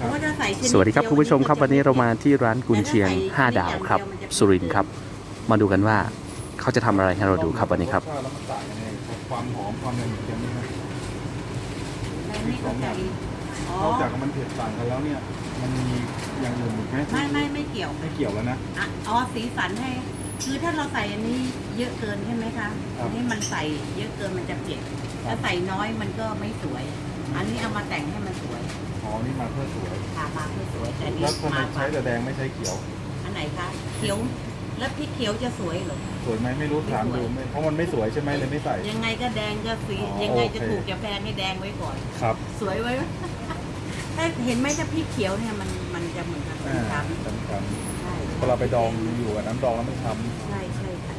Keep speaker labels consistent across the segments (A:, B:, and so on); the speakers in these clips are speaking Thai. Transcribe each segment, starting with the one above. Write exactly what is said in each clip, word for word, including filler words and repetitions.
A: สวัสดีครับคุณผู้ชมครับวันนี้เรามาที่ร้านกุนเชียงห้าดาวครับสุรินทร์ครับมาดูกันว่าเขาจะทำอะไรให้เราดูครับวันนี้ครับ
B: แล้วมันต่างยังไงความหอมความอะไรเหมือนกันไหมครับสองอย่างนอกจากมันเผ็ดต่างกันแล้วเนี่ยมันมีอย่างอื่นอีกไหม
C: ไม่ไม่ไม่เกี่ยว
B: ไม่เกี่ยวแล้วนะ
C: อ๋อสีสันให้คือถ้าเราใส่อันนี้เยอะเกินใช่ไหมคะอันนี้มันใส่เยอะเกินมันจะเผ็ดถ้าใส่น้อยมันก็ไม่สวยอันนี้เอามาแต่งให้มันสวย
B: อ๋อนี่มาเพื่อสวย
C: ค่ะมาเพื่อสวยแต่นี่
B: แล้วทำไมใช้แต่แดงไม่ใช้เขียว
C: อันไหนคะเขียวแล้วพริกเขียวจะสวยหรอ
B: สวยไหมไม่รู้ถามดูเพราะมันไม่สวยใช่ไหมเลยไม่ใส่
C: ยังไงก็แดงก็สียังไงจะถูกจะแพงให้แดงไว้ก่อน
B: ครับ
C: สวยไว้ถ้าเห็นไหมถ้าพริกเขียวเนี่ยมันมันจะเหมือนกันช้ำ
B: ๆใช่พอเราไปดองอยู่กับน้ำดองแล้วมันช้
C: ำใช่ใช่ค่ะ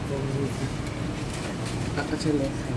A: ก็เช่นเลยครับ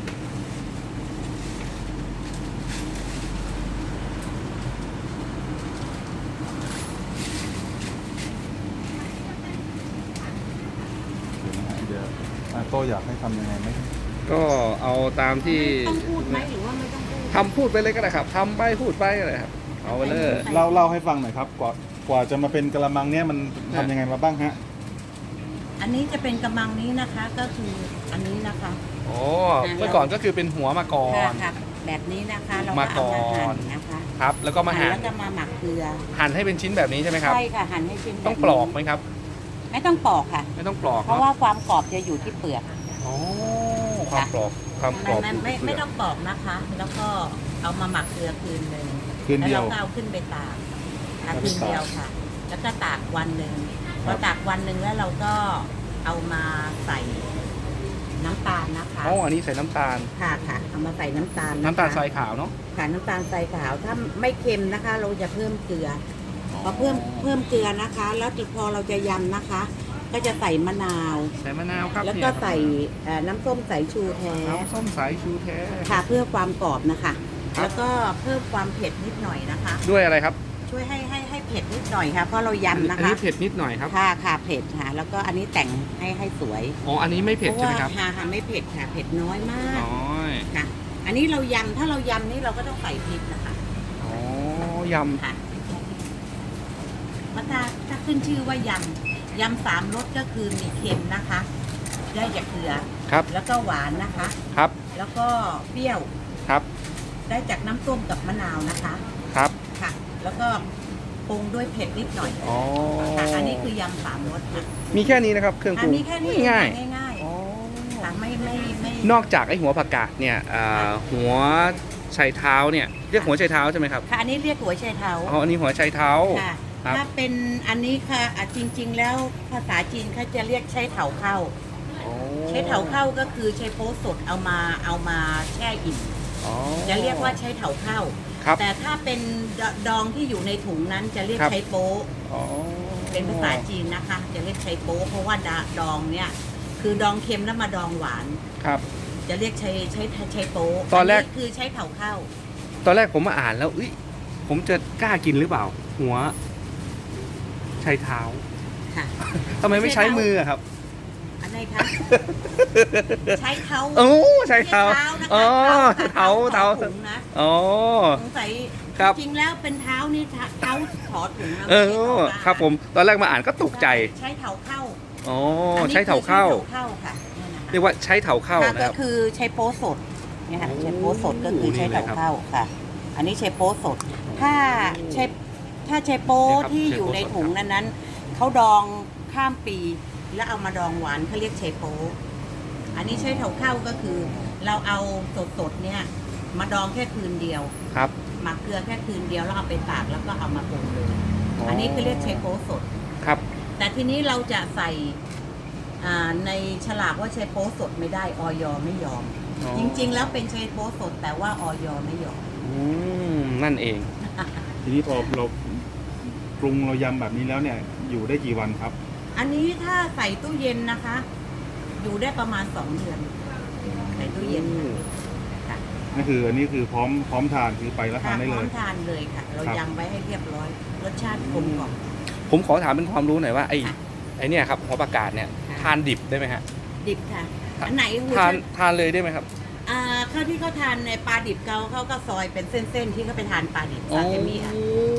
B: โตอยากให้ทำยังไงไหม
A: ก็เอาตามที่
C: ต้องพูดไหมหรือว่าไม่ต้องพูด
A: ทำพูดไปเลยก็ได้ครับทำไปพูดไปก็ได้ครับเอาไปเลย
B: เล่าเล่าให้ฟังหน่อยครับกว่ากว่าจะมาเป็นกระมังเนี้ยมันทำยังไงมาบ้างฮะ
C: อันนี้จะเป็นกระมังนี้นะคะก็คืออันนี้นะคะ
A: โอ้เมื่อก่อนก็คือเป็นหัวมาก่อน
C: ค่ะแบบนี้นะคะเราก็เอามาหั่นนะคะ
A: ครับแล้วก็มาหั่น
C: แล้วก็มาหมักเกลือ
A: หั่นให้เป็นชิ้นแบบนี้ใช่ไหมครับ
C: ใช่ค่ะหั่นให้ชิ้น
A: ต้องปลอกไหมครับ
C: ไม่ต้องปลอกค่ะ
A: ไม่ต้องปลอก
C: เพราะว่าความกรอบจะอยู่ที่เปลือก
A: อ๋อความกรอบความกรอบ
C: ไม่ไม่ต้องปลอกนะคะแล้วก็เอามาหมักเกลือคืนหนึ่งแล้วเราก็เอาขึ้นไปตากคืนเดียวค่ะแล้วก็ตากวันหนึ่งพอตากวันหนึ่งแล้วเราก็เอามาใส่น้ำตาลนะคะ
A: อ๋ออันนี้ใส่น้ำตาล
C: ค่ะค่ะเอามาใส่น้ำตาล
A: น้ำตาลทรายขาวเนาะ
C: ค่ะน้ำตาลทรายขาวถ้าไม่เค็มนะคะ เราจะเพิ่มเกลือพอเพิ่มเพิ่มเกลือนะคะแล้วพอเราจะยำนะคะก็จะใส่มะนาว
A: ใส่มะนาวครับ
C: แล้วก็ใส่น้ำส้มสายชูแท้
A: น้ำส้มสายชูแท้
C: ค่ะเพื่อความกรอบนะคะแล้วก็เพิ่มความเผ็ดนิดหน่อยนะคะ
A: ด้วยอะไรครับ
C: ช่วยให้ให้ให้เผ็ดนิดหน่อยค่ะเพราะเรายำนะคะอัน
A: นี้เผ็ดนิดหน่อยครับ
C: ค่ะค่ะเผ็ดค่ะแล้วก็อันนี้แต่งให้ให้สวย
A: อ๋ออันนี้ไม่เผ็ดใช่ไหมครับ
C: ค่ะค่ะไม่เผ็ดค่ะเผ็ดน้อยมาก
A: น้อย
C: ค่ะอันนี้เรายำถ้าเรายำนี่เราก็ต้องใส่พริกนะคะ
A: อ๋อยำ
C: ค่ะมาถ้าถ้าขึ้นชื่อว่ายำยำสามรสก็คือมีเค็มนะคะได้จากเกลือ
A: ครับ
C: แล้วก็หวานนะคะ
A: ครับ
C: แล้วก็เปรี้ยว
A: ครับ
C: ได้จากน้ำส้มกับมะนาวนะคะ
A: ครับ
C: ค่ะแล้วก็ปรุงด้วยเผ็ดนิดหน่อย
A: อ๋อ
C: อันนี้คือยำสามรสค่ะ
A: มีแค่นี้นะครับเครื่องปรุง
C: มีแค่นี้ง่ายง่ายค่ะไม่ไม่ไม่
A: นอกจากไอ้หัวผักกาดเนี่ยหัวไชเท้าเนี่ยเรียกหัวไชเท้าใช่ไหมครับ
C: ค่ะอันนี้เรียกหัวไชเท้า
A: อ๋ออันนี้หัวไชเท้า
C: ค่ะถ้าเป็นอันนี้ค่ะจริงๆแล้วภาษาจีนเขาจะเรียกไชเถาเข้าไชเถาเข้าก็คือไชโป๊สดเอามาเอามาแช่อิ่มจะเรียกว่าไชเถาเข้าแต่ถ้าเป็นดองที่อยู่ในถุงนั้นจะเรียกไชโป๊เป็นภาษาจีนนะคะจะเรียกไชโป๊เพราะว่าดองเนี่ยคือดองเค็มแล้วมาดองหวาน
A: ครับ
C: จะเรียกไชไชไชโป๊
A: ตอนแรก
C: คือไชเถาเข้า
A: ตอนแรกผมมาอ่านแล้วอุ้ยผมจะกล้ากินหรือเปล่าหัวใช้เท้า
C: ค่ะ
A: ทำไมไม่ใช้มือครับ
C: อันไหนคะใช้เท้า
A: โอ้ใช้เท้าอ๋อเท้าเท้า
C: นะ
A: อ๋อ
C: สงสัยจริงแล้วเป็นเท้านี่เท้าถอดถุง
A: เออครับผมตอนแรกมาอ่านก็ตกใจ
C: ใช้เท้าเข้า
A: อ๋อใช้เท้าเข้า
C: ค่ะ
A: เรียกว่าใช้เท้าเข้านะครับ
C: ก็คือใช้โป๊สดเนี่ยค่ะใช้โป๊สดก็คือใช้เท้าเข้าค่ะอันนี้ใช้โป๊สดถ้าใช้ถ้าใช้โป๊ที่อยู่ในถุงนั้นนั้นเขาดองข้ามปีแล้วเอามาดองหวานเขาเรียกเชโป๊อันนี้ใช้เถาเข้าก็คือเราเอาสดๆเนี่ยมาดองแค่คืนเดียว
A: ครับ
C: หมักเกลือแค่คืนเดียวแล้วเอาไปตากแล้วก็เอามาปรุงเลยอันนี้คือเรียกเชโป๊สด
A: ครับ
C: แต่ทีนี้เราจะใส่ในฉลากว่าเชโป๊สดไม่ได้ออยไม่ยอมจริงๆแล้วเป็นเชโป๊สดแต่ว่าออยไม่ยอม
A: อืมนั่นเอง
B: ทีนี้พอเราปรุงเรายำแบบนี้แล้วเนี่ยอยู่ได้กี่วันครับ
C: อันนี้ถ้าใส่ตู้เย็นนะคะ อยู่ได้ประมาณสองเดือนใส่ตู้เย็นค่ะ
B: นั่นคืออันนี้คือพร้อมพร้อมทานคือไปแล้วทานได้เลยพร้อ
C: มทานเลยค่ะเรายำไว้ให้เรียบร้อยรสชาติกลมกล่อม
A: ผมขอถามเป็นความรู้หน่อยว่าไอ้ไอ้เนี่ยครับหัวปลากาดเนี่ยทานดิบได้ไหมฮะ
C: ดิบค่ะอันไหน
A: ทานทานเลยได้ไหมครับ
C: อ่าข้าวที่เขาทานในปลาดิบเกาเขาก็ซอยเป็นเส้นๆที่เขาไปทานปลาดิบซาซิมิอ่ะ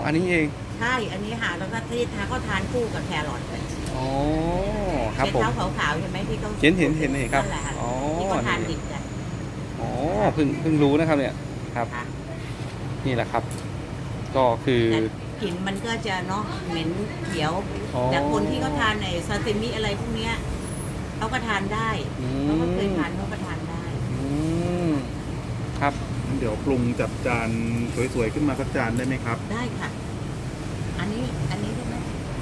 A: อันนี้เอง
C: ใช่อันนี้ค่ะแล้วก็ที่ทานก็ทานคู่กับแครอทเลย
A: อ๋อครับ
C: เป็น
A: ผม
C: เท้าขาวๆใช่ไหมที่เขา
A: เห็นเห็นเห็นเห็นครับ
C: นั่นแหละะ
A: อ๋อ
C: ที่เขาทานดิบกัน
A: อ๋อเพิ่งเพิ่งรู้นะครับเนี่ยครับ
C: ค่ะ
A: นี่แหละครับ ก็คือ
C: แต่กลิ่นมันก็จะเนาะเหม็นเขียว
A: อ๋อ
C: แต่คนที่เขาทานในซาซิมิอะไรพวกเนี้ยเขาก็ทานได้
A: อืม
C: เขาก็เคยทานเขาก็ทานได้
A: อืมครับ
B: เดี๋ยวปรุงจัดจานสวยๆขึ้นมาสักจานได้ไหมครับ
C: ได้ค่ะ อันนี้อันนี้ได้ไหม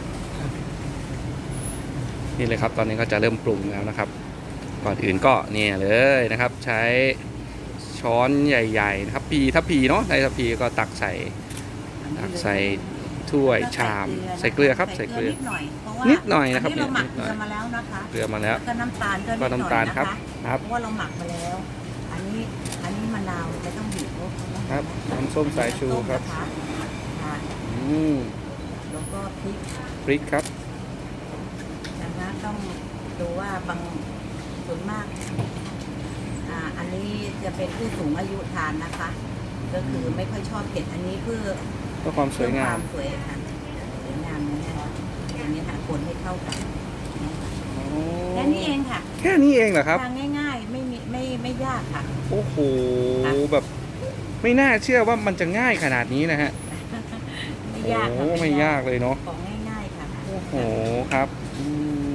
A: นี่เลยครับ ตอนนี้ก็จะเริ่มปรุงแล้วนะครับ ก่อนอื่นก็เนี่ยเลยนะครับ ใช้ช้อนใหญ่ๆนะครับพีถ้าพีเนาะในถ้าพีก็ตักใส่ ตักใส่ถ้วยชามใส่เกลือครับใส่เกลือ
C: นิดหน่อยเพราะว่า
A: นิดหน่อยนะครับ
C: อันนี้เราหมัก
A: นิดห
C: เก
A: น่อย
C: ลือมาแล้วนะคะ
A: เกลือมาแล้ว
C: แล้วก็น้ำตาลก็
A: ก็
C: นิดหน่อย
A: น้ำตาล
C: นะครับ คะ
A: ครับ
C: เพราะว่าเราหมักมาแล้ว อันนี้อันนี้มะนาวไม่ต้องบีบเพราะเขา
A: ครับน้ำส้มสายชูครับ
C: ต้มนะคะค่ะ
A: อืม
C: แล้วก็พริก
A: พริกครับ
C: นะคะต้องดูว่าบางส่วนมากอ่าอันนี้จะเป็นผู้สูงอายุทานนะคะ ก็คือไม่ค่อยชอบเผ็ดอันนี้เพื่อ
A: เพื่อความสวยงาม
C: เพื่อควสวยค่ะสวยงามนะเนี่ยอันนี้ค่ะคนให้เข้ากัน
A: อ๋อ
C: แค่นี้เองค่ะ
A: แค่นี้เองเหรอครับ
C: ทางง่ายๆ ไม่มีไม่ไม่ยากค่ะ
A: โอ้โห
C: ค่ะ
A: แบบไม่น่าเชื่อว่ามันจะง่ายขนาดนี้นะฮะ
C: ไม่
A: โอ้
C: ยากค่ะ
A: ไม่ยากเลยเนาะ
C: ของง่ายๆค่ะ
A: โอ้โหครับอืม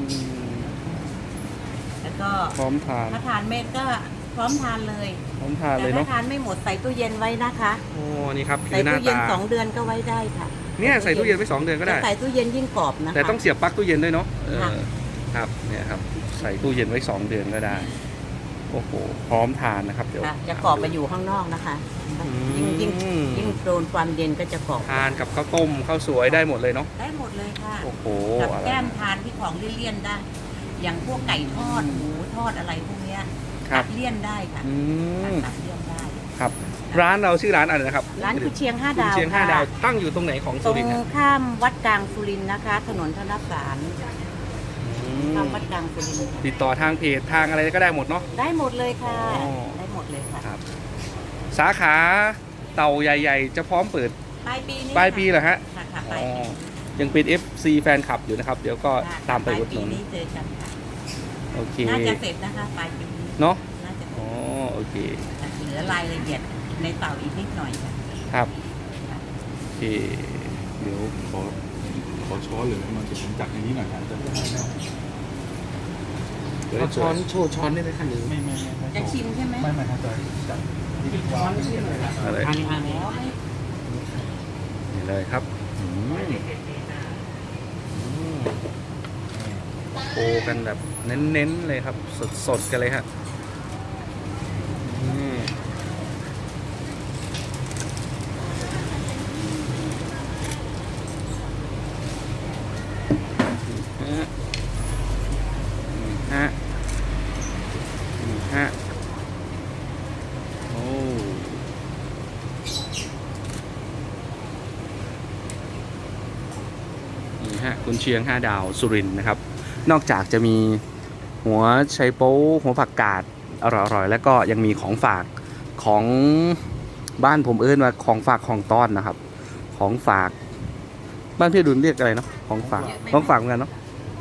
C: แล้วก็
A: พร้อมทาน
C: ถ้าทานเม็ดก็พร้อมทานเลย
A: พร้อมทานเล
C: แต่
A: ย
C: ถ้า
A: เนาะ
C: ทานไม่หมดใส่ตู้เย็นไว้นะคะ
A: โอ้นี่ครับคื
C: ใส่
A: อหน้า
C: ตู้เย็น
A: ตา
C: สองเดือนก็ไว้ได้ค่ะ
A: เนี่ยใส่ตู้เย็นไว้สองเดือนก็ได้
C: แต่ใส่ตู้เย็นยิ่งกรอบนะคะ
A: แต่ต้องเสียบปลั๊กตู้เย็นด้วยเนาะเออ
C: ค่ะ
A: ครับเนี่ยครับใส่ตู้เย็นไว้สองเดือนก็ได้โอ้โหพร้อมทานนะครับเดี๋ยว
C: ค่ะจะกรอบไปอยู่ข้างนอกนะคะ ยิ่งยิ่ง
A: อืม
C: ยิ่งโดนความเย็นก็จะกรอบ
A: ทานกับข้าวต้มข้าวสวยได้หมดเลยเนาะ
C: ได้หมดเลยค่ะ
A: โอ้โห
C: กับ
A: อะไร
C: แก้มทานที่ของเลี่ยนๆได้ อย่างพวกไก่ทอดหมูทอดอะไรพวกเนี้ย
A: ครับ
C: ตัดเลี่ยนได้ค่ะ
A: อืม
C: ตัดเลี่ยนได้
A: ครับ ร้านเราชื่อร้านอะไรนะครับ
C: ร้านกุเชียงห้า
A: กุ
C: ดาว
A: เชียงห้า
C: ค่ะ
A: ดาวตั้งอยู่ตรงไหนของ
C: ต
A: สุ
C: รง
A: รินทร์ครับ
C: ข้ามวัดกลางสุรินทร์นะคะ ถนนธนสาร
A: อื
C: ข้าม
A: ม
C: วัดกลางสุรินทร์
A: ติดต่อทางเพจทางอะไรก็ได้หมดเนาะ
C: ได้หมดเลยค่ะ
A: อ๋อ
C: ได้หมดเลยค่ะ
A: ครับ สาขาเต่าใหญ่ ๆ จะพร้อมเปิด
C: ปลายปีนี้
A: ปลายปีเหรอฮะ
C: ค่ะค่ะป
A: อ๋
C: ลาย
A: อ
C: ปี
A: ยังเป็น เอฟ ซี แฟนคลับอยู่นะครับ เดี๋ยวก็
C: ค่ะ
A: ตามไปอุดห
C: ปลาย
A: นุน
C: ปีนี้เจอกันค่ะ
A: โอเค
C: น่าจะเสร็จนะคะปลายปีนี้
A: เนาะ
C: น่าจะเสร็
A: อ๋อ
C: จ
A: โอเค
C: เหลือรายละเอียดในเต่าอีกนิดหน่อยค่ะ
A: ครับโอเค
B: เดี๋ยวขอขอช้อนหรืออะไรมาเดี๋ยวผมจัดในนี้หน่อยครับจะได้ไม่เดี๋ยว
A: เอาช้อนโชว์ช้อนได้ไหมคะหรือ
B: ไม่ไม่ไม่ไม่
C: จะชิมใช่ไหม
B: ไม่ไม่ครับจะจัดที่วาง
A: อะไร
C: อันนี้อันนี้แล้วไม่
A: นี่เลยครับอืมอืมโชว์กันแบบเน้นๆเลยครับ สดๆกันเลยฮะนี่ฮะนี่ฮะนี่ฮะโอ้นี่ฮะกุนเชียงห้าดาวสุรินทร์นะครับ นอกจากจะมีหัวไชโป๊หัวผักกาดอร่อยๆแล้วก็ยังมีของฝากของบ้านผมเอิ้นว่าของฝากของต้อนนะครับ ของฝากบ้านพี่ดุลเรียกอะไรเนาะของฝากของฝากเหมือนกันเนาะ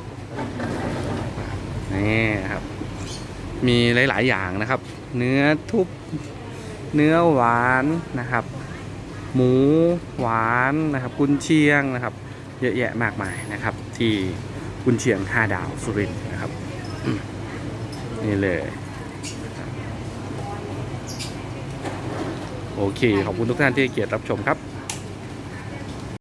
A: นี่ครับ มีหลายๆอย่างนะครับ เนื้อทุบเนื้อหวานนะครับ หมูหวานนะครับกุนเชียงนะครับ เยอะแยะมากมายนะครับ ที่กุนเชียงห้าดาวสุรินทร์นะครับอืมนี่เลยโอเคขอบคุณทุกท่านที่ให้เกียรติรับชมครับ